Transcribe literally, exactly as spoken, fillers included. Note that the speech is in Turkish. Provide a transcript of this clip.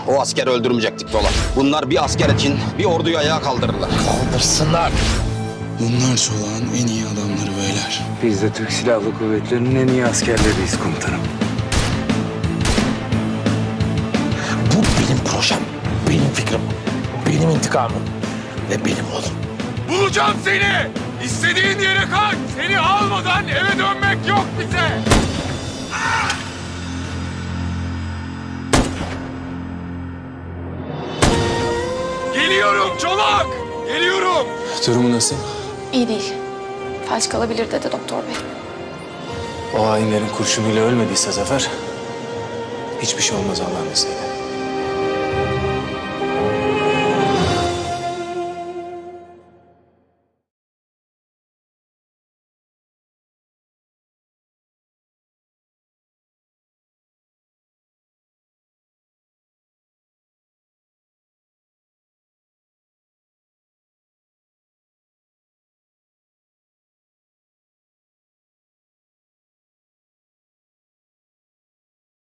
O askeri öldürmeyecektik Polat. Bunlar bir asker için bir orduyu ayağa kaldırırlar. Kaldırsınlar. Bunlar Çolak'ın en iyi adamları beyler. Biz de Türk Silahlı Kuvvetleri'nin en iyi askerleriyiz komutanım. Bu benim projem, benim fikrim, benim intikamım ve benim oğlum. Bulacağım seni! İstediğin yere kaç! Seni almadan eve dönmek yok bize! Geliyorum Çolak! Geliyorum! Durumu nasıl? İyi değil. Felç kalabilir dedi doktor bey. O hainlerin kurşunuyla ölmediyse Zafer, hiçbir şey olmaz Allah'ın izniyle.